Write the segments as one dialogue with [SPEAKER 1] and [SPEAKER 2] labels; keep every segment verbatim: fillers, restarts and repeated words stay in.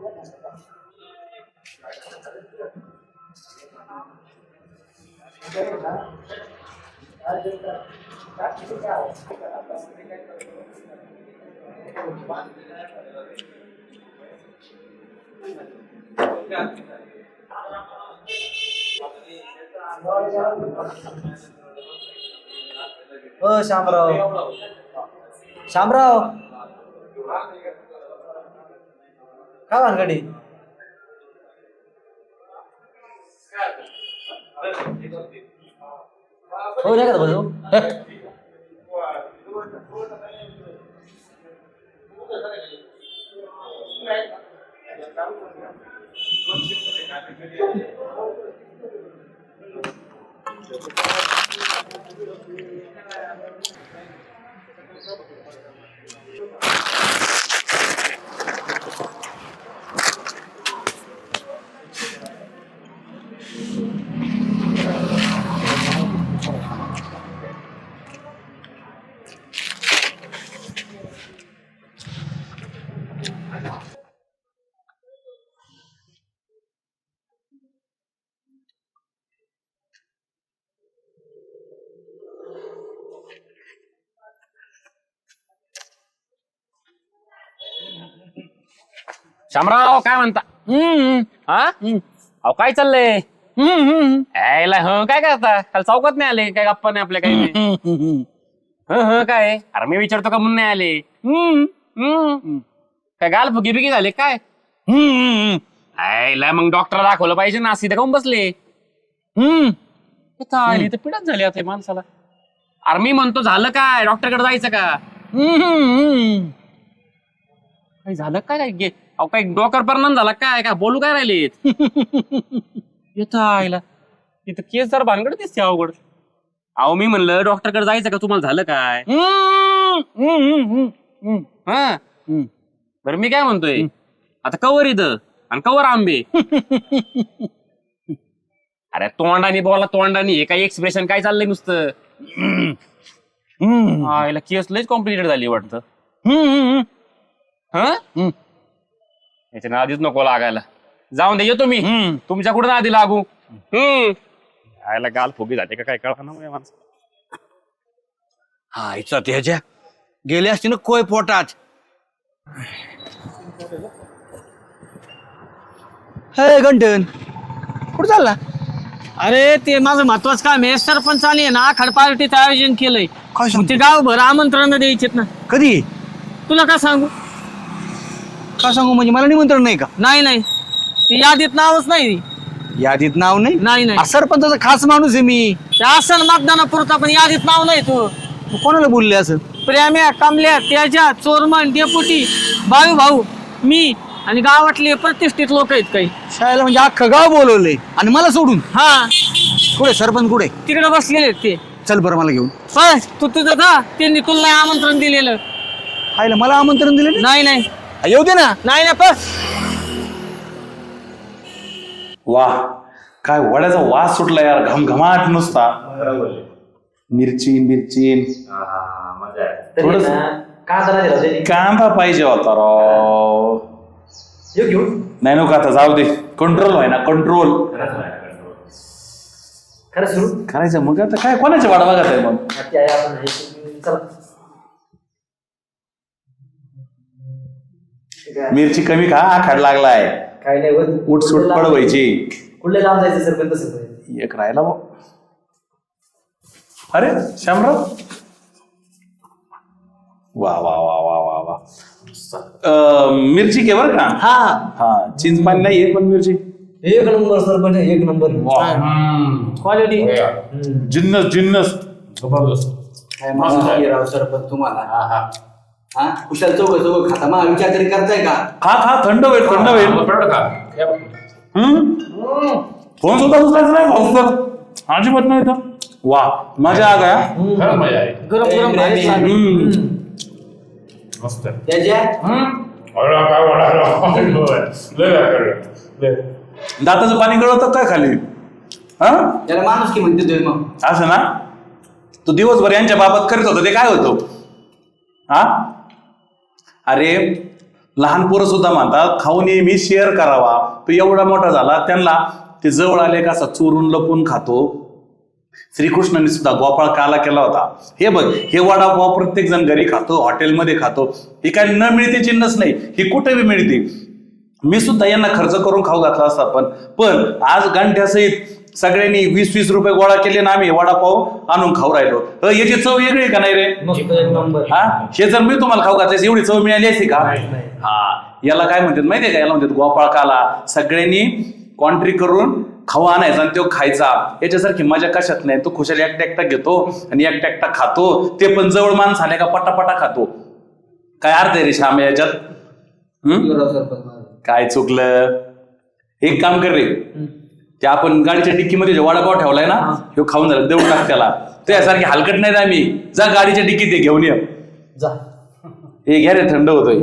[SPEAKER 1] ओ शामराव शामराव काय भानगडी हो नाही का बघू
[SPEAKER 2] शामराव काय म्हणता? हम्म हा अहो काय चाललंय? यायला ह काय करता? काल चौकात नाही आले काय? गप्पा नाही आपल्या काही? ह ह काय? अरे मी विचारतो का म्हणून नाही आले? हम्म हम्म काय गाल फुगी बिगी झाले काय? यायला मग डॉक्टर दाखवलं पाहिजे ना, सीधे काऊन बसले? हम्म आली तर पिढाच झाली आता माणसाला. अरे मी म्हणतो झालं काय? डॉक्टरकडे जायचं का? काही झालं काय? काय अहो काही डोकर परिणाम झाला काय? काय बोलू काय राहिलेत? येत आईला इथं केस जर भानगड दिसते अवघड. अहो मी म्हणलं डॉक्टरकडे जायचं का? तुम्हाला झालं काय? हा बरं मी काय म्हणतोय, आता कवर इथं आणि कवर आंबे. अरे तोंडाने बोला तोंडाने, हे काही एक्सप्रेशन काय चाललंय नुसतं? आईला केस लयच कॉम्प्लिकेटेड झाली वाटतं. हा याच्या नादीच नको लागायला. जाऊन दे येतो मी. तुमच्या कुठं नादी लागू? हम्म आयला गाल फुगी जाते का काय कळा ना माणसं.
[SPEAKER 3] हा इच्छा त्याच्या गेले असते ना कोय पोटात. हे गंटन कुठं चालला?
[SPEAKER 4] अरे ते माझं महत्वाचं काम आहे. सरपंचाने ना आखाड पार्टीचं आयोजन केलंय.
[SPEAKER 3] काय सांगतो?
[SPEAKER 4] ते गावभर आमंत्रण द्यायचेत ना.
[SPEAKER 3] कधी?
[SPEAKER 4] तुला काय सांगू?
[SPEAKER 3] का सांगू म्हणजे मला निमंत्रण नाही का?
[SPEAKER 4] नाही नाही ते यादीत नावच नाही.
[SPEAKER 3] यादीत नाव नाही?
[SPEAKER 4] नाही नाही
[SPEAKER 3] आ, सरपंचाचा खास माणूस आहे मी.
[SPEAKER 4] ते असं मतदानापुरता पण यादीत नाव नाही. तू
[SPEAKER 3] मग कोणाला बोलले असं?
[SPEAKER 4] प्रेम्या, कमल्या, तेजा, चोरमन, डेपुटी, बाळू भाऊ, मी आणि गावातले प्रतिष्ठित लोक आहेत काही.
[SPEAKER 3] शाळेला म्हणजे अख्खं गाव बोलवलंय आणि मला सोडून?
[SPEAKER 4] हा
[SPEAKER 3] कुठे सरपंच कुठे?
[SPEAKER 4] तिकडे बसलेले आहेत ते.
[SPEAKER 3] चल बरं मला घेऊन.
[SPEAKER 4] बस तू तुझं जा. त्यांनी तुला नाही आमंत्रण दिलेलं.
[SPEAKER 3] खायला मला आमंत्रण दिलं नाही?
[SPEAKER 4] नाही नाही
[SPEAKER 3] आ, येऊ दे ना.
[SPEAKER 4] नाही ना बस.
[SPEAKER 5] वा काय वड्याचा वास सुटला यार, घमघमाट नुसता. मिरची मिरची थोडस कांदा पाहिजे होता राव. नाही नको आता जाऊ दे. कंट्रोल व्हाय ना कंट्रोल करायचं. मग आता काय कोणाच्या वाडा बघत आहे मग? मिरची कमी खा, आखाड लागलाय.
[SPEAKER 1] काय नाही
[SPEAKER 5] उठसूट पडवायची.
[SPEAKER 1] कुठल्या लांब जायचं सर? पण तसं
[SPEAKER 5] एक राहिला भाऊ. अरे शामराव वा वा वा वा वा वा. अं, मिरची घे बरं का.
[SPEAKER 1] हा
[SPEAKER 5] हा चिंच पाणी नाही पण मिरची
[SPEAKER 1] एक नंबर सर. पण एक नंबर
[SPEAKER 4] क्वालिटी.
[SPEAKER 5] जिन्नस जिन्नस
[SPEAKER 3] राव सरपंच तुम्हाला हा कुशाल चौक चौक खाता मग विचार तरी करताय का?
[SPEAKER 5] खा खा थंड होईल थंड होईल. फोन सुद्धा उचलायचं नाही भाऊ सर, अजिबात नाही तर. वा मजा आ गया.
[SPEAKER 4] गरम गरम भाजी लागली.
[SPEAKER 5] दाताचं पाणी गळवतं काय खाली? हा
[SPEAKER 3] त्याला माणूस की म्हणते तुम्ही मग
[SPEAKER 5] असं ना. तू दिवसभर यांच्या बाबत करत होता ते काय होतो? हा अरे लहान पोरं सुद्धा म्हणतात खाऊ नेहमी शेअर करावा. तो एवढा मोठा झाला त्यांना ते जवळ आले का असा चोरून लपून खातो. श्रीकृष्णाने सुद्धा गोपाळ काला केला होता. हे बघ, हे वडापाव प्रत्येक जण घरी खातो, हॉटेलमध्ये खातो. ही काय न मिळते चिन्हच नाही, ही कुठे बी मिळते. मी सुद्धा यांना खर्च करून खाऊ घातला असता, पण पण आज गांठ्यासहित सगळ्यांनी वीस वीस रुपये गोळा केले ना आम्ही वडापाव आणून खाऊ राहिलो. अ, याची चव वेगळी आहे का नाही रे?
[SPEAKER 1] मस्त एक नंबर.
[SPEAKER 5] हा, हे जर मी तुम्हाला खाऊ घातल्यास एवढी चव मिळाली असती का? हा, याला काय म्हणतात माहितीये का? याला म्हणतात गोपाळ काला. सगळ्यांनी कॉन्ट्री करून खाऊ आणायचा आणि तो खायचा. याच्यासारखी मजा कशात नाही. तो खुशाल एकटा एकटा घेतो आणि एकटा एकटा खातो. ते पण जवळ माणूस आले का पटापटा खातो. काय अर्थ आहे रे श्याम याच्यात? हम्म, काय चुकलं? एक काम कर रे, ते आपण गाडीच्या डिक्कीमध्ये जो वडापाव ठेवलाय ना, तो खाऊन झाला, देऊन टाक त्याला. त्यासारखी हलकट नाही आम्ही. जा गाडीच्या डिक्कीत ते घेऊन ये.
[SPEAKER 1] जा.
[SPEAKER 5] हे घ्या रे, थंड होतोय.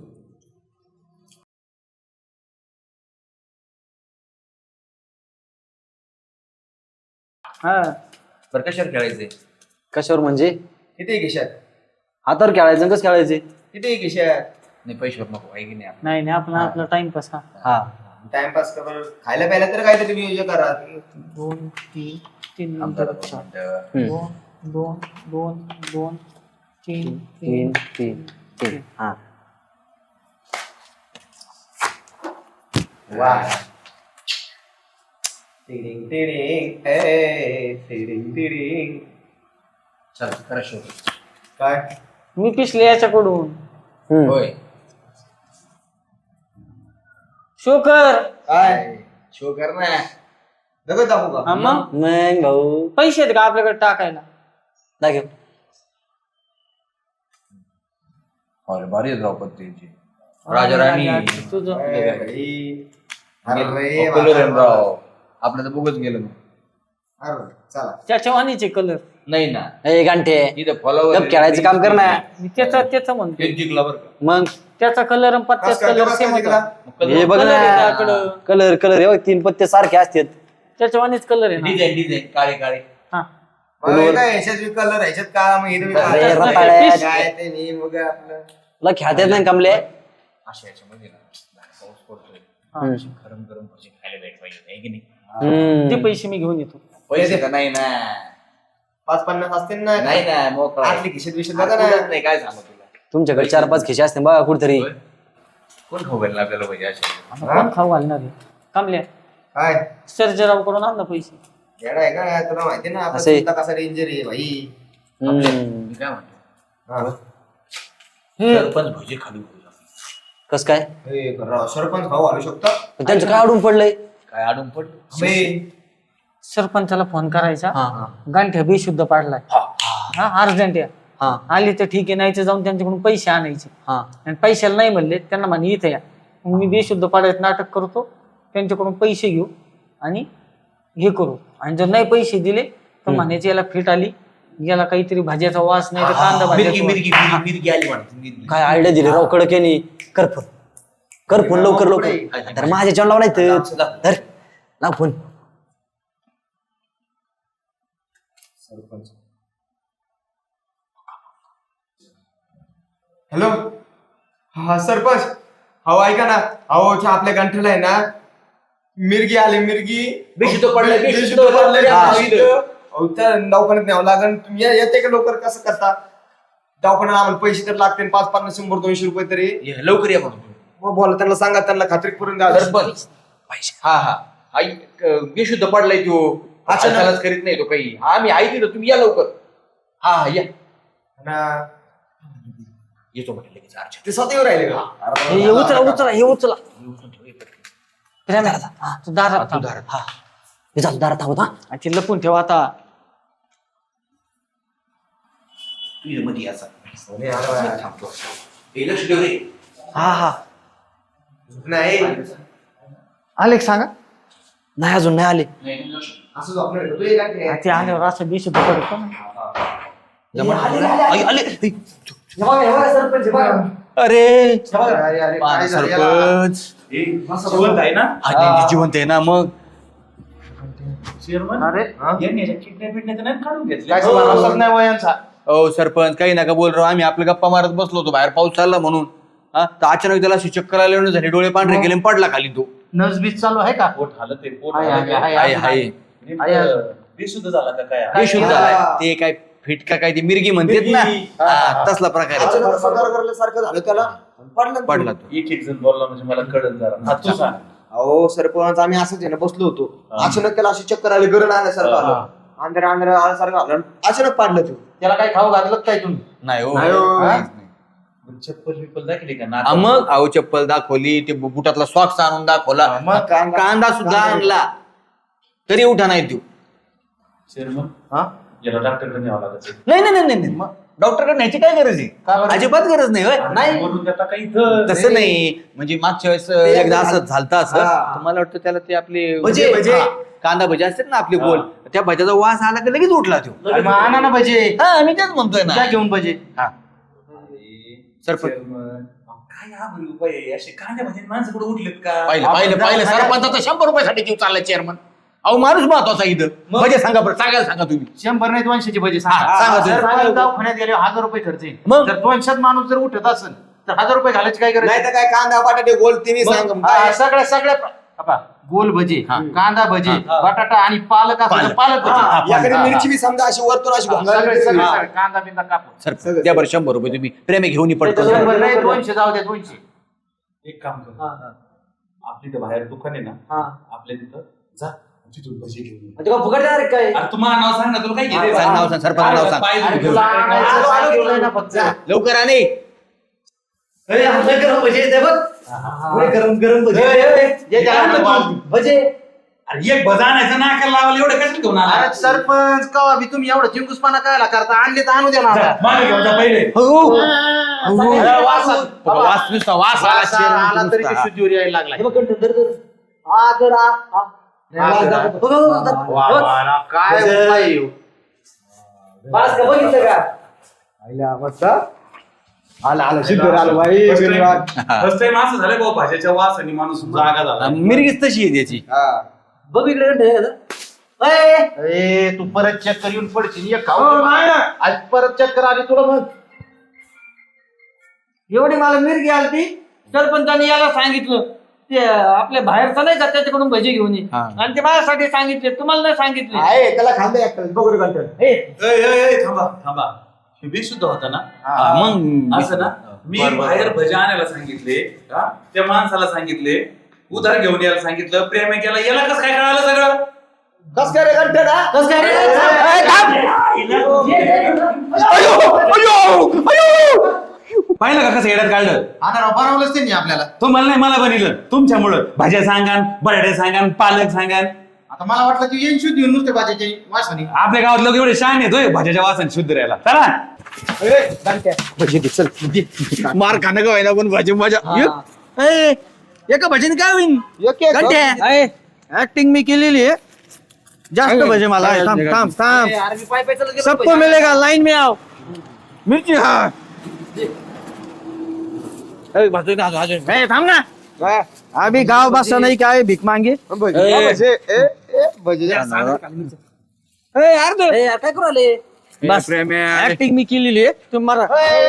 [SPEAKER 4] हा
[SPEAKER 3] बरं कशावर खेळायचंय?
[SPEAKER 1] कशावर म्हणजे?
[SPEAKER 3] किती खिशात?
[SPEAKER 1] हातावर खेळायचं कसं खेळायचे?
[SPEAKER 3] किती खिशात? नाही पैशावर नको आहे की नाही?
[SPEAKER 4] नाही नाही आपला आपला टाइमपास. हा
[SPEAKER 1] हा,
[SPEAKER 3] टाइमपास कर. खायला प्यायला तर काहीतरी नियोजन करा.
[SPEAKER 4] दोन तीन तीन नंतर चार. दोन दोन दोन दोन तीन
[SPEAKER 1] तीन तीन तीन. हा,
[SPEAKER 3] वा. टिडिंग टिडिंग ए टिडिंग टिडिंग. चल करा शो. काय?
[SPEAKER 4] मी पिसले याच्याकडून.
[SPEAKER 3] होय.
[SPEAKER 4] शो कर.
[SPEAKER 3] काय शो कर ना. दगड दाखवू का?
[SPEAKER 4] हा मग
[SPEAKER 1] मग भाऊ
[SPEAKER 4] पैसे आहेत का आपल्याकडे टाकायला?
[SPEAKER 1] दाखव.
[SPEAKER 3] अरे भारी राव पत्तीची. राजा राणी.
[SPEAKER 4] तुझं
[SPEAKER 3] राव आपलं तर बघत गेलं मग. अरे चला.
[SPEAKER 4] त्याच्या वाणीचे कलर
[SPEAKER 3] नाही ना.
[SPEAKER 1] ए गांठे,
[SPEAKER 3] इथं फॉलोवर
[SPEAKER 1] गप खेळायचं काम कर ना.
[SPEAKER 4] मी त्याचा त्याचा म्हणतो.
[SPEAKER 3] जिंकला बरं का?
[SPEAKER 1] मग
[SPEAKER 4] त्याचा कलर आणि पत्त्याचा कलर सेम होता.
[SPEAKER 1] हे बघ
[SPEAKER 4] Colour आहे
[SPEAKER 1] ना,
[SPEAKER 4] त्याकडं.
[SPEAKER 1] कलर कलर हे बघ, तीन पत्ते सारखे असतात.
[SPEAKER 4] त्याच्या वाणीच कलर आहे ना.
[SPEAKER 3] डिझाईन डिझाईन काळे काळे.
[SPEAKER 4] हा
[SPEAKER 3] कलर ह्याच्यात का मग हिरवी
[SPEAKER 1] अरे
[SPEAKER 3] काळे.
[SPEAKER 1] रताळ्या.
[SPEAKER 3] काय ते नाही मग आपलं
[SPEAKER 1] तुला खेळता येत नाही कमले?
[SPEAKER 3] अशा ह्याच्यामध्ये ना पाऊस पडतोय. गरम गरम भजी खायला भेट पाहिजे आहे की नाही?
[SPEAKER 1] हम्म.
[SPEAKER 4] ते पैसे मी घेऊन येतो.
[SPEAKER 3] पैसे का नाही ना. पाच पन्नास असतील ना. नाही ना मोकळा. आतली खिशात विषय बघा ना. नाही काय सांगू तुला.
[SPEAKER 1] तुमच्याकडे चार पाच खिशे असते बघा कुठतरी.
[SPEAKER 3] कोण खाऊ घालणार आपल्याला पाहिजे अशा?
[SPEAKER 4] कोण खाऊ घालणार आहे? कामल्या
[SPEAKER 3] काय
[SPEAKER 4] सर्जराव कडून आण ना पैसे.
[SPEAKER 3] येडा आहे का तुला माहिती ना आपण
[SPEAKER 1] असे-
[SPEAKER 3] स्वतः कसा डेंजर आहे भाई.
[SPEAKER 1] हम्म.
[SPEAKER 3] मी काय म्हणतो
[SPEAKER 4] हे
[SPEAKER 3] सरपंच भजी खाली
[SPEAKER 1] कस काय?
[SPEAKER 3] हे राव, सरपंच खाऊ घालू शकता?
[SPEAKER 1] पण त्यांचं काय अडून पडलंय?
[SPEAKER 3] काय अडून पडलं?
[SPEAKER 4] सरपंचाला फोन करायचा.
[SPEAKER 1] हा
[SPEAKER 4] गांठ्या बेशुद्ध पाडलाय. हा अर्जंट या.
[SPEAKER 1] हा
[SPEAKER 4] आली तर ठीक आहे, नाही तर जाऊन त्यांच्याकडून पैसे आणायचे.
[SPEAKER 1] हा
[SPEAKER 4] आणि पैशाला नाही म्हणले त्यांना म्हणे इथे या. मग मी बेशुद्ध पाडायचं नाटक करतो, त्यांच्याकडून पैसे घेऊ आणि हे करू. आणि जर नाही पैसे दिले तर म्हणायचे याला फिट आली, याला काहीतरी भाज्याचा वास नाही तर कांदा भाज्याचा वास.
[SPEAKER 3] मिरगी आली म्हणते.
[SPEAKER 1] काय आयडिया दिली राव कडकेनी. कर फोन, कर फोन लवकर लवकर. तर माझ्या चॅनल लाव नाही तर लाव फोन.
[SPEAKER 3] सरपंच हॅलो. हा सरपंच. हो ऐका ना. अहो त्या आपल्या गंठ्याला आहे ना मिरगी आली. मिरगी बेशुद्ध पडले. बेशुद्ध पडले. अहो त्या दवाखान्यात न्यावं लागेल. तुम्ही या- येते का लवकर? कसं करता दवाखान्यात? आम्हाला पैसे तर लागतील पाच पन्नास शंभर दोनशे रुपये तरी. लवकर या म्हणून बोला त्यांना. सांगा त्यांना खात्री करून द्या. सरपंच हा हा आई बेशुद्ध पडलाय तो. अचानक करीत नाही तो काही. आम्ही आई तिथं तुम्ही या लवकर. हा हा या येतो म्हटलं लगेच. अर्जंट ते स्वतः येऊ राहिले का?
[SPEAKER 4] हे हे उचला उचला हे उचला. प्रेम आहे. हा, तू दारात थांब.
[SPEAKER 1] हा मी जातो दारात थांबत. हा
[SPEAKER 4] आणि ते लपून ठेवा आता.
[SPEAKER 3] तू मध्ये याचा थांबतो. लक्ष ठेव रे.
[SPEAKER 4] हा हा
[SPEAKER 3] नाही
[SPEAKER 4] आले का सांगा.
[SPEAKER 1] नाही अजून नाही आले.
[SPEAKER 3] असं झोपणार तू ये काय?
[SPEAKER 4] हा, ते आल्यावर असं बेशुद्ध पडतो ना.
[SPEAKER 1] आई, आले. ऐ,
[SPEAKER 3] अरे
[SPEAKER 5] सरपंच जिवंत आहे ना?
[SPEAKER 3] जिवंत आहे ना. मग
[SPEAKER 4] अरे
[SPEAKER 3] नाही वयांचा. हो सरपंच काही नका बोल राव. आम्ही आपल्या गप्पा मारत बसलो होतो बाहेर पाऊस चालला म्हणून.
[SPEAKER 1] हा, तर अचानक त्याला अशी चक्कर आल्यावर झाली, डोळे पांढरे गेले आणि पडला खाली तो.
[SPEAKER 4] नसबीज चालू आहे का?
[SPEAKER 5] पोट हालत आहे, पोट
[SPEAKER 4] आहे,
[SPEAKER 5] हालत
[SPEAKER 4] आहे,
[SPEAKER 5] आहे.
[SPEAKER 1] हाय हाय
[SPEAKER 4] आहे, आहे.
[SPEAKER 5] बेशुद्ध झाला का काय
[SPEAKER 1] हे शुद्ध झालाय ते काय फिटका काय ती मिरगी म्हणतात ना हा, तसला प्रकार आहे.
[SPEAKER 3] अचानक असं गरगरल्यासारखं झालं त्याला पडला तो.
[SPEAKER 1] पडला तो.
[SPEAKER 5] एक एक जण बोलला म्हणजे मला कळत जरा हा, तू सांग.
[SPEAKER 3] अहो सरपंच आम्ही असंच आहे ना बसलो होतो अचानक त्याला अशी चक्कर आली गरण आल्यासारखं आलं आंध्र आंध्र आल्यासारखं आलं आणि अचानक पाडलं तू.
[SPEAKER 4] त्याला काय खाऊ घातलं का काय तुम्ही?
[SPEAKER 1] नाही हो
[SPEAKER 3] नाही हो.
[SPEAKER 1] हा?
[SPEAKER 5] चप्पल बिप्पल दाखली का
[SPEAKER 1] हा, मग अहो चप्पल दाखवली ते बु- बुटातला सॉक्स आणून दाखवला
[SPEAKER 3] मग कांदा-
[SPEAKER 1] कांदा सुद्धा आणला तरी उठा नाही देऊ.
[SPEAKER 5] चेअरमन
[SPEAKER 3] हा?
[SPEAKER 5] याला डॉक्टरकडे न्यावं लागत
[SPEAKER 1] नाही नाही नाही नाही डॉक्टरकडे न्यायची काय गरज
[SPEAKER 4] का
[SPEAKER 1] आहे
[SPEAKER 4] बरं?
[SPEAKER 1] अजिबात गरज नाही होय.
[SPEAKER 5] नाही बोलून देता काही इथं
[SPEAKER 1] तसं नाही म्हणजे मागच्या वेळेस एकदा असं झालतं असं
[SPEAKER 3] हा.
[SPEAKER 1] तर मला वाटतं त्याला ते आपले
[SPEAKER 3] भजे, भजे.
[SPEAKER 1] हा, कांदा भजे असतात ना आपले गोल त्या भज्याचा वास आला की लगेच उठला तो.
[SPEAKER 4] अरे मग आणा ना भजे.
[SPEAKER 1] हा मी तेच म्हणतोय
[SPEAKER 4] जा
[SPEAKER 1] ना
[SPEAKER 4] घेऊन भजे.
[SPEAKER 1] हा सरपंच
[SPEAKER 5] चेअरमन काय हा बरं उपाय आहे? असे कांद्या भाजी माणसं कुठे उठलेत का
[SPEAKER 1] पाहिलं पाहिलं पाहिलं सरपंचाचा शंभर रुपयासाठी जीव चाललाय चेअरमन. अहो माणूस महत्वाचा इथं भजे सांगा बरं सांगायला सांगा तुम्ही.
[SPEAKER 4] शंभर नाही दोनशेचे भजे
[SPEAKER 1] हा, सांगा
[SPEAKER 4] सांगा.
[SPEAKER 1] तुम्ही.
[SPEAKER 4] जर आपण दवाखान्यात गेले हजार रुपये खर्च येईल.
[SPEAKER 1] मग?
[SPEAKER 4] जर दोनशेत माणूस जर उठत असेल तर हजार रुपये घालायची काय गरज
[SPEAKER 3] नाही
[SPEAKER 4] आहे?
[SPEAKER 3] तर काय कांदा बटाटे गोल तिन्ही सांग
[SPEAKER 4] मग, हा, सगळ्या सगळ्या आपा, गोल भजे कांदा भजे बटाटा आणि पालक असेल तर पालक भजे.
[SPEAKER 3] याकडे मिरची बी समजा अशी वरतून अशी
[SPEAKER 4] सगळे
[SPEAKER 3] घोंगाळली
[SPEAKER 4] सगळे
[SPEAKER 3] तरी.
[SPEAKER 4] सगळे कांदा बिंदा कापून.
[SPEAKER 1] सर द्या बरं शंभर रुपये तुम्ही प्रेमे घेऊन पडतो
[SPEAKER 4] शंभर नाही दोनशे जाऊ द्या दोनशे.
[SPEAKER 5] एक काम कर आपली तर बाहेर दुकान आहे ना आपल्या तिथं जा तिथून भजी घेऊन ये.
[SPEAKER 1] फुकट देणार काय
[SPEAKER 5] अरे तुम्हाला नाव सांग ना तुला काय घेते
[SPEAKER 1] सांग नाव सांग, सरपंच नाव सांग.
[SPEAKER 5] पाय
[SPEAKER 4] अरे
[SPEAKER 5] दुखू.
[SPEAKER 4] तुला आणायचं
[SPEAKER 3] आलो, आलो,
[SPEAKER 4] सांगितलंय ना फक्त.
[SPEAKER 1] लवकर आणि
[SPEAKER 3] गरम गरम भजी.
[SPEAKER 4] जे त्याला वाल.
[SPEAKER 1] भजे
[SPEAKER 5] अरे एक भजा आणायचं नाकाला लावायला एवढं कसं घेऊन आला?
[SPEAKER 4] अरे सरपंच कवा बी तुम्ही एवढं चिंकुसपणा कायला करता? आणले तर आणू द्या ना
[SPEAKER 5] जा,
[SPEAKER 4] आता.
[SPEAKER 5] मागे घेऊन जा पहिले
[SPEAKER 4] अरे वास आला. बाबा,
[SPEAKER 1] वास नुसता वास आला
[SPEAKER 4] वास आला आला तरी
[SPEAKER 1] नुसता.
[SPEAKER 4] ते शुद्धीवर यायला लागलाय.
[SPEAKER 3] हा, जरा.
[SPEAKER 4] वा, वा, वा, काय उपाय आहे हो.
[SPEAKER 3] आईला मस्त. आला आला सिद्ध आलं बाई
[SPEAKER 5] फर्स्ट टाइम असं झालं भाऊ भाज्याच्या वास आणि माणूस जागा झाला
[SPEAKER 1] मिरगीच तशी आहे त्याची.
[SPEAKER 3] हा.
[SPEAKER 1] बघ इकडे
[SPEAKER 4] ए तू परत चक्कर येऊन पडशील एक खाऊ दे मला. आज परत चक्कर आली तुला मग.
[SPEAKER 6] एवढी मला मिरगी आली ती सरपंचाने याला सांगितलं ते आपल्या बाहेरचा नाही का त्याच्याकडून भजी घेऊन ये
[SPEAKER 1] हा.
[SPEAKER 6] आणि ते माझ्यासाठी सांगितले तुम्हाला नाही सांगितले
[SPEAKER 3] आहे त्याला खांदा एक बघू घंटन.
[SPEAKER 5] ए, ए, ए, थांबा थांबा हे बेशुद्ध होता ना
[SPEAKER 1] हा, मग
[SPEAKER 5] असं ना मी बाहेर भजा आणायला सांगितले हा? त्या माणसाला सांगितले उधार घेऊन यायला सांगितलं प्रेम केला याला कसं काय कळालं सगळं
[SPEAKER 3] कस काय रे घंटन हा?
[SPEAKER 6] कसं काय रे?
[SPEAKER 5] पाहिलं का कसं येड्यात काढलं
[SPEAKER 4] आता राव बनवलंच त्यांनी आपल्याला.
[SPEAKER 5] तो मला नाही मला बनिलं तुमच्यामुळं भाज्या सांगान बटाटे सांगान पालक सांगान
[SPEAKER 4] आता मला वाटलं की येईन शुद्धी येऊन नुसते भाज्याची वासनी.
[SPEAKER 5] आपल्या गावात लोक एवढे शान येतोय भाज्याच्या वासन शुद्ध राहायला चला
[SPEAKER 3] ए, घंट्या.
[SPEAKER 1] भजी दे, चल दे. मार खाणं का व्हायना पण भाजी मजा एक- ए, एका भजीने काय होईल
[SPEAKER 3] एक एक.
[SPEAKER 1] ऍक्टिंग मी केलेली आहे जास्त भजे मला आहे. थांब थांब थांब
[SPEAKER 6] ए, अरे मी पाय पाय चालत गेलो
[SPEAKER 1] सबको
[SPEAKER 6] भजी.
[SPEAKER 1] मिलेगा लाइन में आओ मिर्ची हाँ ए, भाजू दे, भाजू दे. ए, थांब ना
[SPEAKER 3] हा.
[SPEAKER 1] अभी गाव बसा नाही काय भीक मागे
[SPEAKER 3] भजी.
[SPEAKER 1] ए.
[SPEAKER 3] हा, भजी. ए, ए, भजी.
[SPEAKER 1] ए, यार तो-
[SPEAKER 6] ए, यार, काय करू आले
[SPEAKER 1] बस ऍक्टिंग मी केलेली आहे तुम्हाला